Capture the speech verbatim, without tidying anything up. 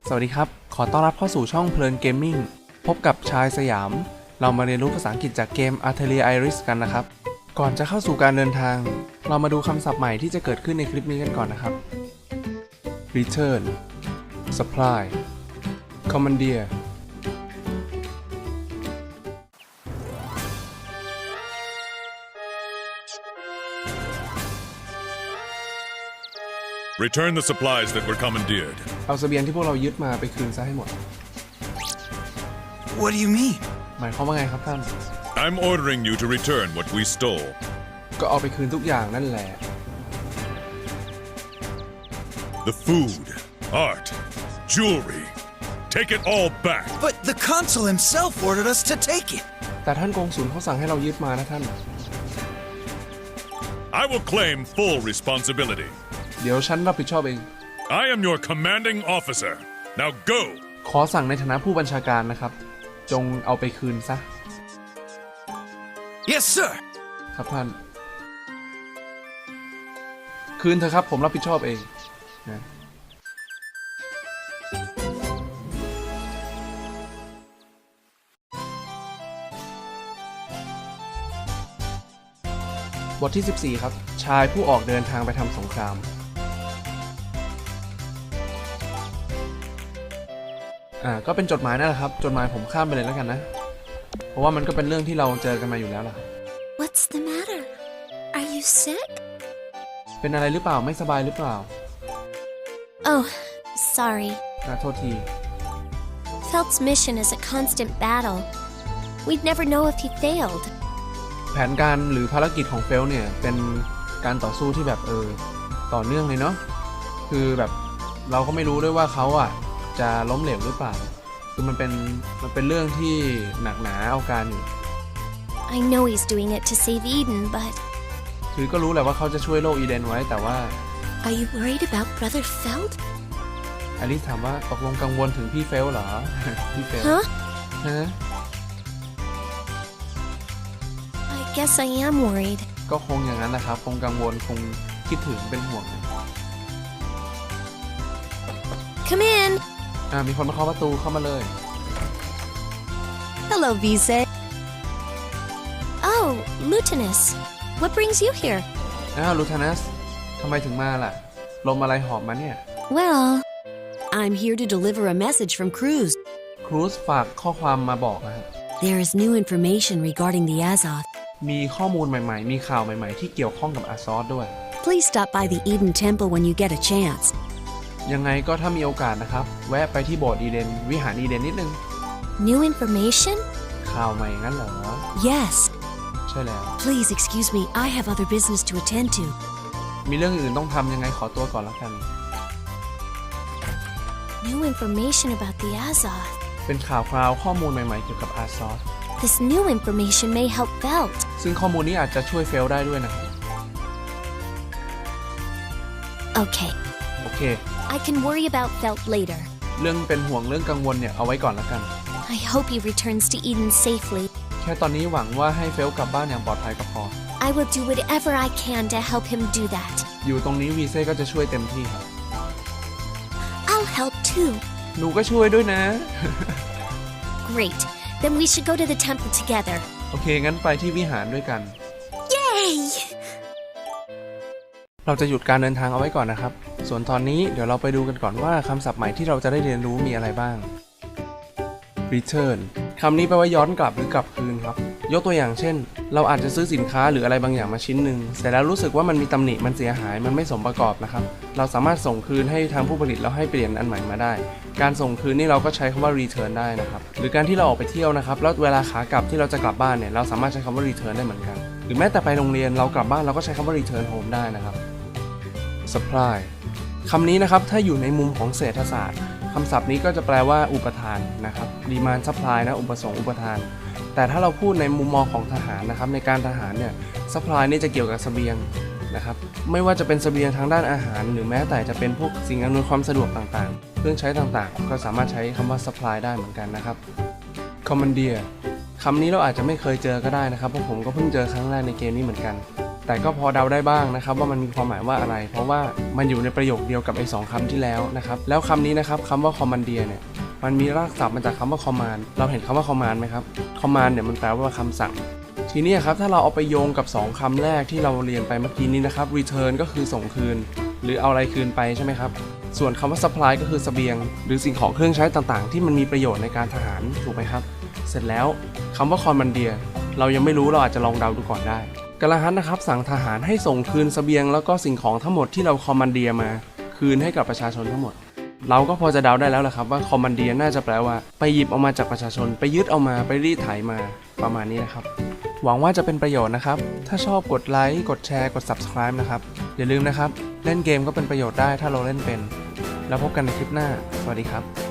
สวัสดีครับขอต้อนรับเข้าสู่ช่องเพลินเกมมิ่งพบกับชายสยามเรามาเรียนรู้ภาษาอังกฤษจากเกม Atelier Iris กันนะครับก่อนจะเข้าสู่การเดินทางเรามาดูคำศัพท์ใหม่ที่จะเกิดขึ้นในคลิปนี้กันก่อนนะครับ Return Supply Commandeer Return the supplies that were commandeered. เอาเสบียงที่พวกเรายึดมาไปคืนซะให้หมด What do you mean? หมายความว่าไงครับท่าน I'm ordering you to return what we stole. ก็เอาไปคืนทุกอย่างนั่นแหละ The food, art, jewelry. Take it all back. But the consul himself ordered us to take it. แต่ท่านกงสุลเขาสั่งให้เรายึดมานะท่าน I will claim full responsibility. เดี๋ยวฉันรับผิดชอบเอง I am your commanding officer. Now go. ขอสั่งในฐานะผู้บัญชาการนะครับจงเอาไปคืนซะ Yes, sir. ครับท่านคืนเถอะครับผมรับผิดชอบเองนะบทที่สิบสี่ครับชายผู้ออกเดินทางไปทำสงครามอ่าก็เป็นจดหมายนั่นแหละครับจดหมายผมข้ามไปเลยแล้วกันนะเพราะว่ามันก็เป็นเรื่องที่เราเจอกันมาอยู่แล้วล่ะ What's the matter? Are you sick? เป็นอะไรหรือเปล่าไม่สบายหรือเปล่า Oh, sorry. น่าโทษที Felt's mission is a constant battle. We'd never know if he failed. แผนการหรือภารกิจของเฟลเนี่ยเป็นการต่อสู้ที่แบบเออต่อเนื่องเลยเนาะคือแบบเราก็ไม่รู้ด้วยว่าเขาอ่ะจะล้มเหลวหรือเปล่าคือมันเป็นมันเป็นเรื่องที่หนักหนาเอาการอยู่ I know he's doing it to save Eden, but คือก็รู้แหละว่าเขาจะช่วยโลกอีเดนไว้แต่ว่า are you worried about Brother Felt? อลิซถามว่าตกลงกังวลถึงพี่เฟลเหรอ พี่เฟล Huh? ฮะ I guess I am worried. ก็คงอย่างนั้นนะครับคงกังวลคงคิดถึงเป็นห่วง Come in. อ่ามีคนมาเคาะประตูเข้ามาเลย Hello, Vise. Oh, Lutinous. What brings you here? อ้าวลูทานัสทำไมถึงมาล่ะลมอะไรหอบมาเนี่ย Well, I'm here to deliver a message from Cruz. ครูซฝากข้อความมาบอกนะครับ There is new information regarding the Azoth. มีข้อมูลใหม่ๆ มีข่าวใหม่ๆ ที่เกี่ยวข้องกับอาซอสด้วย Please stop by the Eden Temple when you get a chance. ยังไงก็ถ้ามีโอกาสนะครับ แวะไปที่โบสถ์อีเดนวิหารอีเดนนิดนึง new information? ข่าวใหม่งั้นเหรอ Yes. ใช่แล้ว Please excuse me, I have other business to attend to. มีเรื่องอื่นต้องทำยังไงขอตัวก่อนละกัน New information about the Azoth. เป็นข่าวคราวข้อมูลใหม่ๆ เกี่ยวกับอาซอส This new information may help Felt. ซึ่งข้อมูลนี้อาจจะช่วยเฟลได้ด้วยนะครับ Okay, โอเค I can worry about Felt later. เรื่องเป็นห่วงเรื่องกังวลเนี่ยเอาไว้ก่อนละกัน I hope he returns to Eden safely. แค่ตอนนี้หวังว่าให้เฟลกลับบ้านอย่างปลอดภัยก็พอ I will do whatever I can to help him do that. อยู่ตรงนี้วีเซ่ก็จะช่วยเต็มที่ครับ I'll help too. หนูก็ช่วยด้วยนะ Great. Then we should go to the temple together. โอเคงั้นไปที่วิหารด้วยกัน Yay! เราจะหยุดการเดินทางเอาไว้ก่อนนะครับ ส่วนตอนนี้เดี๋ยวเราไปดูกันก่อนว่าคำศัพท์ใหม่ที่เราจะได้เรียนรู้มีอะไรบ้าง Return คำนี้แปลว่าย้อนกลับหรือกลับคืนครับ ยกตัวอย่างเช่น เราอาจจะซื้อสินค้าหรืออะไรบางอย่างมาชิ้นหนึ่งเสร็จแล้วรู้สึกว่ามันมีตำหนิมันเสียหายมันไม่สมประกอบนะครับ เราสามารถส่งคืนให้ทางผู้ผลิตแล้วให้เปลี่ยนอันใหม่มาได้ การส่งคืนนี่เราก็ใช้คำว่า return ได้นะครับ หรือการที่เราออกไปเที่ยวนะครับแล้วเวลาขากลับที่เราจะกลับบ้านเนี่ยเราสามารถใช้คำว่า return ได้เหมือนกัน หรือแม้แต่ไปโรงเรียนเรากลับบ้านเราก็ใช้คำว่า return home ได้นะครับ supply คำนี้นะครับถ้าอยู่ในมุมของเศรษฐศาสตร์คำศัพท์นี้ก็จะแปลว่าอุปทานนะครับ demand supply นะอุปสงค์อุปทานแต่ถ้าเราพูดในมุมมองของทหารนะครับในการทหารเนี่ย supply นี่จะเกี่ยวกับเสบียงนะครับไม่ว่าจะเป็นเสบียงทางด้านอาหารหรือแม้แต่จะเป็นพวกสิ่งอำนวยความสะดวกต่างๆเครื่องใช้ต่างๆก็สามารถใช้คำว่า supply ได้เหมือนกันนะครับ commandeer คำนี้เราอาจจะไม่เคยเจอก็ได้นะครับเพราะผมก็เพิ่งเจอครั้งแรกในเกมนี้เหมือนกันแต่ก็พอเดาได้บ้างนะครับว่ามันมีความหมายว่าอะไร เพราะว่ามันอยู่ในประโยคเดียวกับไอ้สองคำที่แล้วนะครับแล้วคำนี้นะครับคำว่า commandeer เนี่ยมันมีรากศัพท์มาจากคำว่า command เราเห็นคำว่า command ไหมครับ command เนี่ยมันแปลว่าคำสั่งทีนี้ครับถ้าเราเอาไปโยงกับสองคำแรกที่เราเรียนไปเมื่อกี้นี้นะครับ return ก็คือส่งคืนหรือเอาอะไรคืนไปใช่ไหมครับส่วนคำว่า supply ก็คือเสบียงหรือสิ่งของเครื่องใช้ต่างๆที่มันมีประโยชน์ในการทหารถูกไหมครับเสร็จแล้วคำว่า commandeer เรายังไม่รู้เราอาจจะลองเดาดูก่อนได้กาลาฮัตนะครับสั่งทหารให้ส่งคืนเสบียงแล้วก็สิ่งของทั้งหมดที่เราคอมมานเดียมาคืนให้กับประชาชนทั้งหมดเราก็พอจะเดาได้แล้วแหละครับว่าคอมมานเดียน่าจะแปลว่าไปหยิบเอามาจากประชาชนไปยึดเอามาไปรีดไถมาประมาณนี้นะครับหวังว่าจะเป็นประโยชน์นะครับถ้าชอบกดไลค์กดแชร์กด ซับสไครบ์ นะครับอย่าลืมนะครับเล่นเกมก็เป็นประโยชน์ได้ถ้าเราเล่นเป็นแล้วพบกันในคลิปหน้าสวัสดีครับ